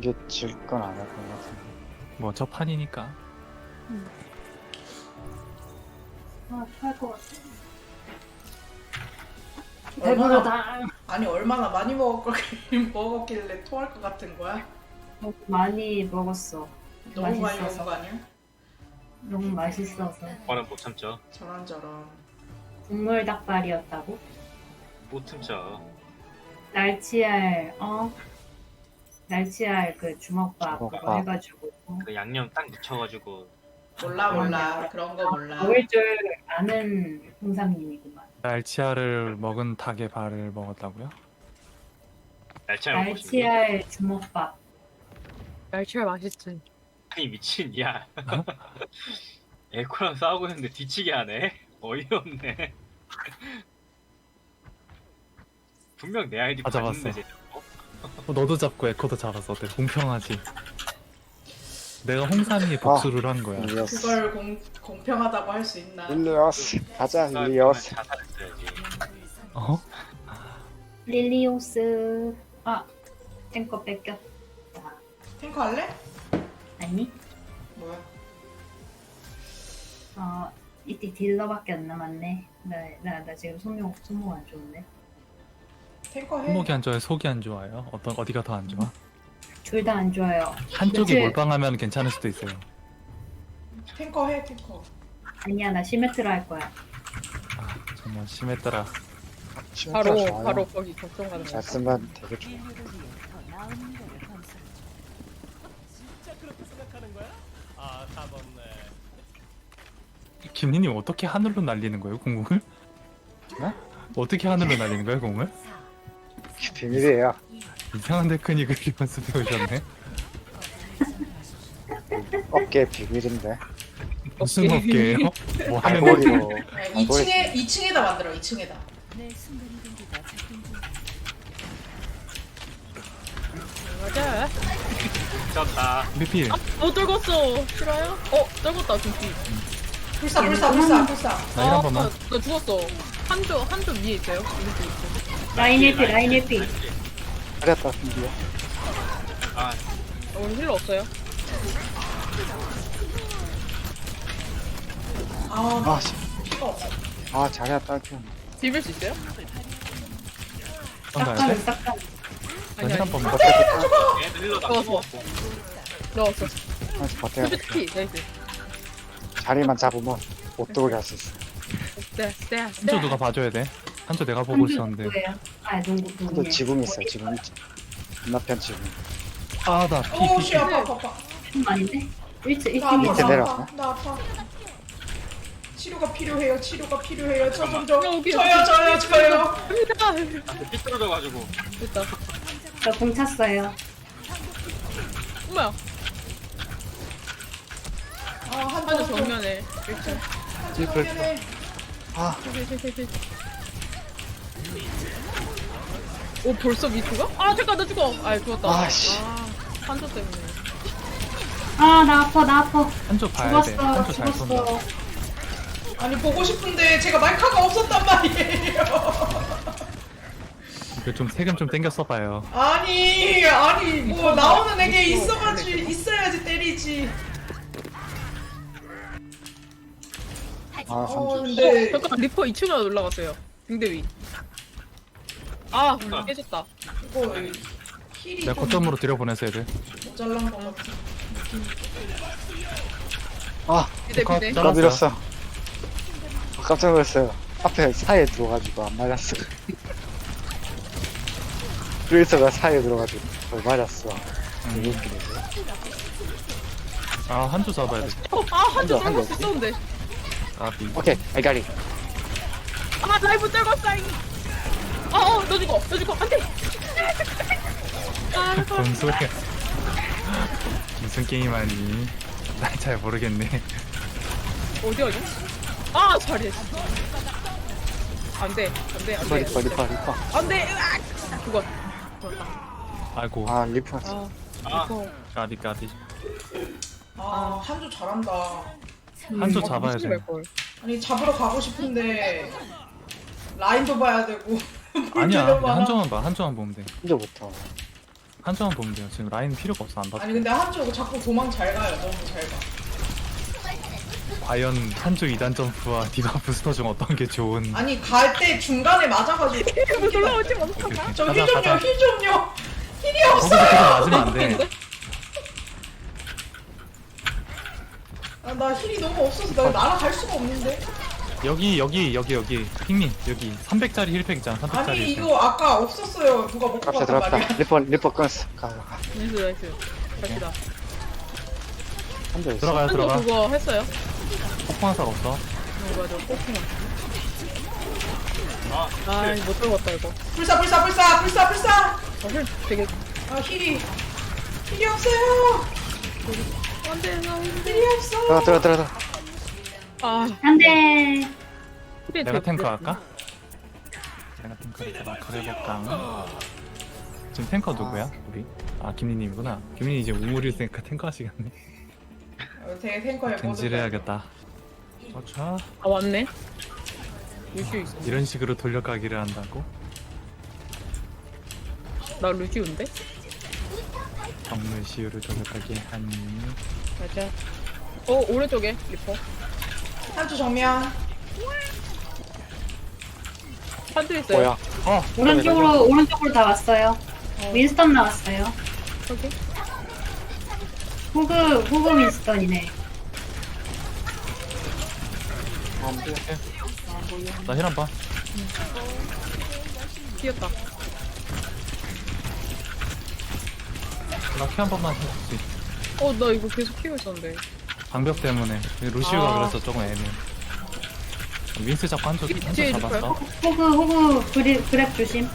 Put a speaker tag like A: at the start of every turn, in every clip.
A: 이게 질 건 안 할 것 같은데.
B: 뭐 저 판이니까.
C: 토할 것 같아.
D: 얼마나
C: 배부르다.
D: 아니 얼마나 많이 먹었길래 토할 것 같은 거야?
C: 많이 먹었어.
D: 너무 많이
C: 맛있어서.
D: 먹은 거 아니야?
C: 너무 맛있어서.
E: 오빠는 못 참죠.
D: 저런저런.
C: 국물 닭발이었다고?
E: 못 참죠.
C: 날치알 그 주먹밥 그거
A: 주먹밥.
C: 해가지고
E: 그 양념 딱 묻혀가지고
D: 몰라 그런 거 몰라.
C: 먹을 줄 아는 홍삼님이구만.
B: 날치알을 먹은 닭의 발을 먹었다고요?
E: 날치알 먹고 싶니?
C: 날치알 주먹밥.
F: 날치알 맛있지.
E: 아니 미친 야. 에코랑 싸우고 있는데 뒤치게 하네. 어이없네. 분명 내 아이디
B: 아, 잡았어.
E: 봤는데 쟤
B: 너도 잡고 에코도 잡았어. 어때? 공평하지? 내가 홍삼이 복수를 한 거야.
A: 일리어스.
D: 그걸 공평하다고 할 수 있나?
A: 일리어스. 가자,
E: 싸우면
A: 일리어스.
E: 자살했어야지.
B: 어?
C: 릴리오스. 탱커 뺏겼다.
D: 탱커 할래?
C: 아니?
D: 뭐야?
C: 이때 딜러밖에 안 남았네. 나 지금 손목 안 좋은데.
D: 탱커 해.
B: 손목이 안 좋아요? 속이 안 좋아요? 어디가 더 안 좋아?
C: 둘 다 안 좋아요.
B: 한쪽이
C: 며칠-
B: 몰빵하면 괜찮을 수도 있어요.
D: 탱커 해 탱커.
C: 아니야, 나 시메트라 할 거야.
B: 아, 정말 심했더라.
F: 바로
A: 좋아요.
F: 바로 거기 걱정 가는
A: 잘
F: 거.
A: 쓰면 되게 좋아.
B: 김리님 어떻게 하늘로 날리는 거예요, 공을?
A: 네?
B: 어떻게 하늘로 날리는 거예요, 공을?
A: 비밀이에요.
B: 이상한 테크닉을 연습해 오셨네.
A: 어깨 비밀인데.
B: 무슨 어깨예요? 뭐 하는
A: 발머리로.
D: 아니, 2층에다 만들어 2층에다.
F: 맞아.
E: 졌다.
B: 미필.
F: 못 떨궜어. 싫어요? 떨궜다 준비.
D: 불사.
B: 나 이런 번만.
F: 나 죽었어. 한조 위에 있어요. 이렇게 있어.
C: 라인 해피.
A: 잘했다, 비밀이야.
E: 아
F: 우리 힐러 없어요.
A: 아, 씨.
D: 피가 없어.
A: 아, 잘했다, 좀.
F: 비빌 수 있어요?
B: 형 가야 돼?
C: 싹가는.
F: 아니
B: 한
F: 아니.
B: 번만.
E: 얘들 힐러 다
F: 넣었어. 넣었어.
A: 한번 버텨야 돼.
F: 피 나이스.
A: 자리만 잡으면 못 들어오게 할 수 있어.
B: 한조 누가 봐줘야 돼? 한조 내가 보고 있었는데.
C: 누구예요? 농구
A: 근데
C: 누구예요?
A: 지붕 있어요, 지붕. 건너편 지붕.
B: 아, 나
D: 오우 씨 아파.
C: 아닌데? 1층
D: 나 아파.
A: 밑에
C: 1층이야.
A: 내려왔네.
D: 나 아파. 치료가 필요해요. 저 좀
F: 여기,
D: 저요.
F: 갑니다.
E: 삐뚤어져가지고
F: 됐다.
C: 저공 찼어요.
F: 뭐야? 한조
D: 한조
F: 정면에. 일단.
D: 정면에.
A: 아,
F: 오 벌써 미투가? 아 잠깐 나 죽어. 아 죽었다.
A: 아, 씨.
F: 한조 때문에.
C: 나 아파.
B: 한조 봐야 돼.
C: 죽었어.
B: 한조 잘 쏜다.
D: 아니 보고 싶은데 제가 마이크가 없었단 말이에요.
B: 이거 좀 세금 좀 땡겨 써봐요.
D: 아니 뭐 나오는 애게 있어야지 때리지.
A: 아, 한줄.
D: 근데
F: 잠깐 리퍼 2층으로 올라갔어요. 등대 위. 아 깨졌다.
D: 이거 힐이
B: 내가
D: 좀
B: 거점으로 들여보내서 애들.
D: 모자란 것 같아.
A: 아,
F: 비대
B: 컷.
F: 비대.
A: 나 밀었어. 깜짝 놀랐어요. 앞에 사이에 들어가지고 안 맞았어. 트레이서가 사이에 들어가지고 거의 맞았어. 되게 웃기네.
B: 아, 한조 잡아야 돼.
F: 한조
A: 한조,
F: 떨궜 있었는데.
B: 아,
A: 오케이, 알가리.
F: 아 라이브 떨궜어. 너 죽어. 안돼.
B: 뭔 소리야. 무슨 게임하니? 난 잘 모르겠네.
F: 어디야? 잘해. 안돼.
A: 리퍼.
F: 안돼. 죽었다.
B: 아이고,
A: 아, 리퍼.
F: 리퍼.
B: 까비.
D: 한조 잘한다.
B: 한조 잡아야 돼.
D: 아니 잡으러 가고 싶은데 라인도 봐야 되고.
B: 아니야,
D: 너무 많아.
B: 한조만 보면 돼.
A: 혼자부터.
B: 한쪽만 보면 돼요. 지금 라인 필요가 없어 안 봐도.
D: 아니 근데 한쪽 자꾸 도망 잘 가요. 너무 잘 가.
B: 과연 한쪽 2단 점프와 디바 부스터 중 어떤 게 좋은?
D: 아니 갈 때 중간에 맞아가지고.
F: 올라오지 마.
B: 오케이, 오케이.
D: 저
B: 가자,
D: 힐 좀요,
B: 가자.
D: 힐 좀요. 힐이
B: 거기서
D: 없어요.
B: 계속 맞으면 안 돼.
D: 아, 나 힐이 너무 없어서 나 날아갈 수가 없는데.
B: 여기 핑님 여기 300짜리 힐팩 있잖아. 300짜리
D: 아니
B: 힐팩.
D: 이거 아까 없었어요. 누가 먹고
A: 갑시다
D: 갔단
A: 들어갔다.
D: 말이야.
A: 리퍼 끊었어.
F: 나이스. 갑시다.
A: 한대 있어.
B: 들어가요
F: 한쪽
B: 들어가.
F: 그거 했어요?
B: 폭풍화살 없어.
F: 맞아. 꼬풍아.
E: 아,
F: 아, 못 들어갔다 이거.
D: 불사.
F: 힐 되게.
D: 아 힐이 없어요.
F: 안돼, 나 힘들.
D: 힐이 없어.
A: 들어가.
F: 아,
C: 안돼.
B: 내가 탱커 할까? 내가 탱커를 해볼까? 지금 탱커 누구야? 우리? 아 김리님이구나. 김리님 이제 우물일 테니까 탱커 하시겠네.
D: 되게 탱커에
B: 겐지해야겠다. 자
F: 아 왔네. 루시오 있어.
B: 이런 식으로 돌려가기를 한다고?
F: 나 루시오인데?
B: 정물 시유를 돌려가게 하니.
F: 맞아. 오른쪽에 리퍼.
D: 한쪽 정면.
F: 한조 있어요.
A: 뭐야?
C: 오른쪽으로 다 왔어요. 윈스턴 나왔어요.
F: 저기.
C: 호그 윈스턴이네.
B: 나 힐 한 번.
F: 튀었다.
B: 나 키 한 번만 해줄 수 있어.
F: 나 이거 계속 키고 있었는데.
B: 방벽 때문에 루시우가
F: 아.
B: 그래서 조금 애매해. 윈스 잡고 한쪽
F: 뒤에
B: 잡았어.
C: 호그 그랩 조심.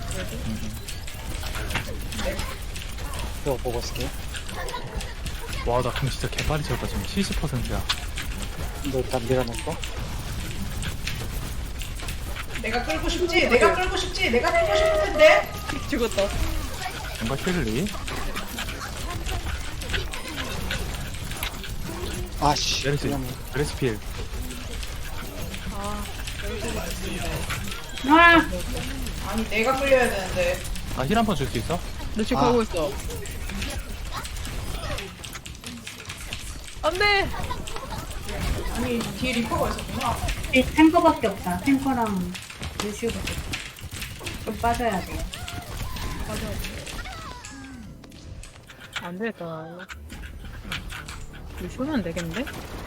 A: 이거 보고 쓸게.
B: 와, 나 그럼 진짜 개빨리 채웠다. 지금 70%야.
A: 너 일단 밀어놓고.
D: 내가 끌고 싶지. 내가 끌고 싶은데.
F: 죽었다.
B: 뭔가 힐리?
A: 아씨.
B: 메르시, 메르시 필.
C: 아,
D: 아니 내가 끌려야 되는데.
B: 아, 힐 한 번 줄 수 있어?
F: 너 지금 가고 있어. 안돼.
D: 아니 뒤에 리퍼가 있었구나.
C: 이 탱커밖에 없다. 탱커랑 루시오밖에 없다. 좀 빠져야 돼요.
F: 안 되겠다. 루시오는 안 되겠는데?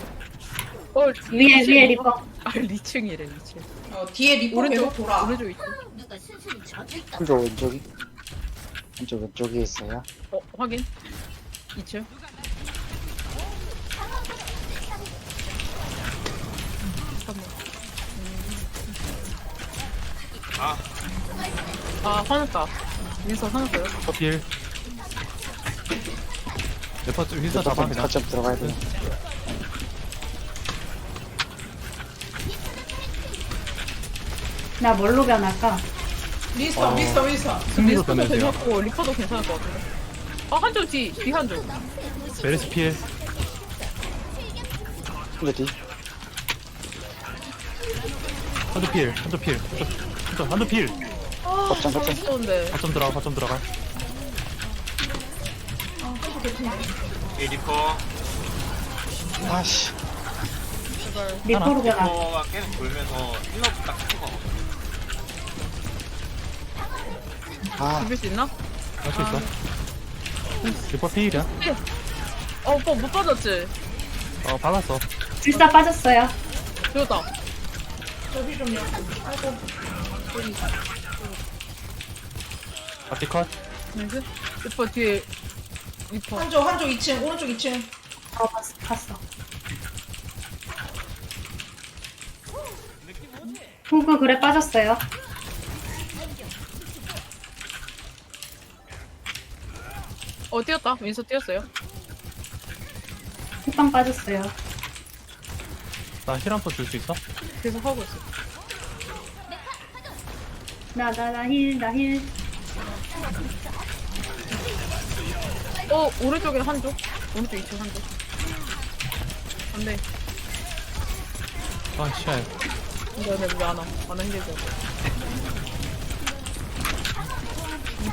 C: 위에 리퍼.
F: 아, 리층이래, 리층.
D: 뒤에 리퍼 계속 돌아.
F: 오른쪽 있어.
A: 한쪽 왼쪽이. 한쪽 왼쪽에 있어요.
F: 확인. 2층. 잠깐만. 화났다. 민서 화났어요.
B: 커필. 레퍼 좀 힐서 잡아, 그냥.
A: 거점 들어가야 돼.
C: 나 뭘로 변할까?
D: 윈스턴.
B: 승리로
F: 민서도
B: 변해야 돼요.
F: 괜찮고, 리퍼도 괜찮을 것 같은데. 한쪽 뒤 한쪽.
B: 메르시 필.
A: 근데 뒤.
B: 한쪽 필. 한쪽 필.
A: 거점.
F: 있었는데.
B: 거점 들어가.
E: 이 리퍼.
A: 아씨.
C: 리퍼로 변할.
E: 리퍼가 계속 돌면서 힐러 딱 찍어.
F: 죽일 수 있나?
B: 할 수 있어. 리퍼 필이야.
F: 오빠 못 받았지?
B: 받았어.
C: 불사 빠졌어요.
F: 죽었다.
D: 저기 좀요. 아이고.
B: 바티 컷.
F: 나이스. 리퍼 뒤에 리퍼.
D: 한쪽 2층. 오른쪽 2층.
C: 봤어. 호그 그래 빠졌어요.
F: 뛰었다. 윈서 뛰었어요.
C: 호빵 빠졌어요.
B: 나 힐 한 번 줄 수 있어?
F: 계속 하고 있어.
C: 나 힐.
F: 오른쪽에 한쪽. 오른쪽 2층 한쪽. 안 돼.
B: 아, 씨알.
F: 근데 왜 안 와? 안 힘들죠.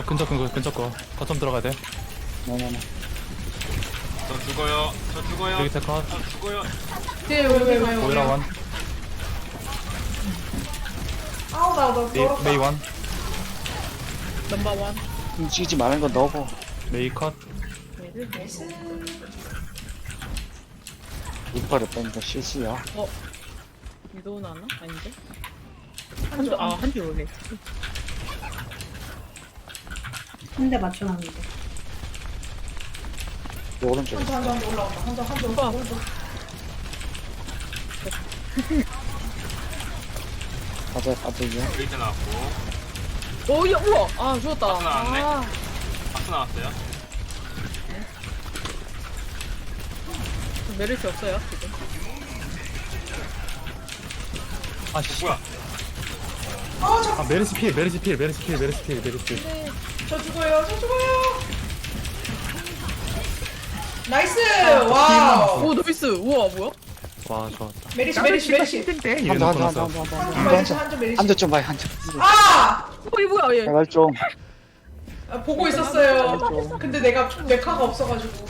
B: 근접 거 거점 들어가야 돼.
A: 네네네.
E: 저 죽어요. 저 죽어요.
B: 여기 테컷
E: 저 죽어요.
D: 왜?
B: 보이라 원
D: 아우 나 더럽다.
B: 메이 원
F: 넘버원.
A: 움직이지 말는 건 너고.
B: 메이 컷
A: 리퍼를 뺀 거 실수야.
F: 위도우 나왔나? 아닌데? 한줄 오네.
C: 한 대 맞춰놨는데.
A: 오른쪽에.
D: 한점 올라온다. 한점
F: 오빠.
D: 오른쪽.
A: 빠져요.
E: 브레이크 나왔고.
F: 오, 야, 우와! 아, 죽었다.
E: 박스 나왔네.
F: 아,
E: 박스 나왔어요.
F: 메르시 없어요, 지금.
B: 아씨
E: 뭐야?
B: 아 메르시 필
D: 저 죽어요. 나이스. 와우.
F: 오, 나이스! 우와, 뭐야?
B: 와 좋았다.
D: 메리시.
A: 한점
D: 메리시.
A: 한점 좀 봐요. 한점.
D: 아!
F: 이게 뭐야, 얘.
A: 제발 좀.
D: 아, 보고 있었어요. 근데 내가 메카가 없어가지고.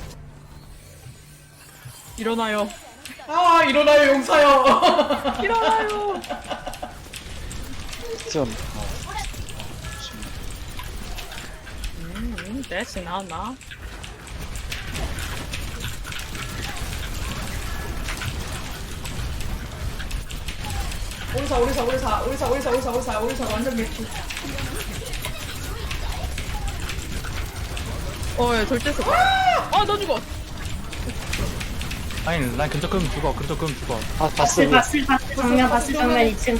F: 일어나요.
D: 아 일어나요 용사요.
F: 일어나요!
A: 좀.
F: 대시 나왔나?
D: 오리사 완전 맥주.
F: 야, 절대 쏘. 너 죽어.
B: 아니 난 근접 끄면 죽어. 근접 끄면 죽어.
A: 아, 봤어.
C: 바스 정면 2층.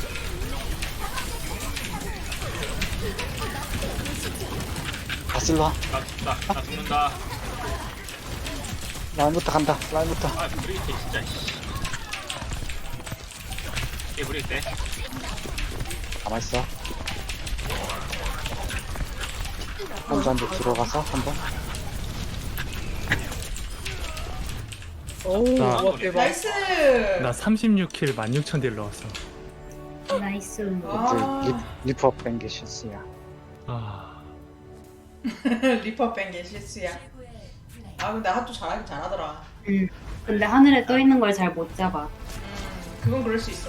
A: 바슬로 와.
E: 나 죽는다.
A: 라인부터 간다. 라인부터.
E: 아, 브리기테 진짜. 얘 브리기테.
A: 가만있어. 먼저 한대 들어가서 한번.
F: 어우,
B: 나-
F: 와, 대박.
D: 나이스.
B: 나 36킬 16,000딜 넣었어.
C: 나이스.
D: 아.
A: 리퍼 뺀게 실수야.
B: 아
D: 리퍼 뺀게 실수야. 아 근데 하도 잘하긴 잘하더라.
C: 근데 하늘에 떠 있는 걸 잘 못 잡아.
D: 그건 그럴 수 있어.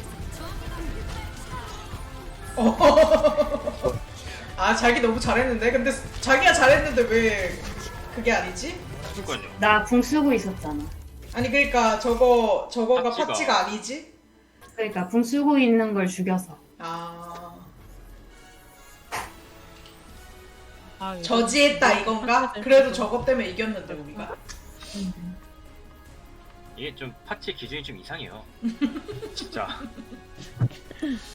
D: 아 자기 너무 잘했는데 근데 자기가 잘했는데 왜 그게 아니지?
E: 그니까요.
C: 나 궁 쓰고 있었잖아.
D: 아니 그러니까 저거가
E: 파치가.
D: 파치가 아니지?
C: 그러니까 궁 쓰고 있는 걸 죽여서.
D: 아
F: 이거-
D: 저지했다 이건가? 그래도 저것 때문에 이겼는데 우리가.
E: 이게 좀 파츠 기준이 좀 이상해요. 진짜.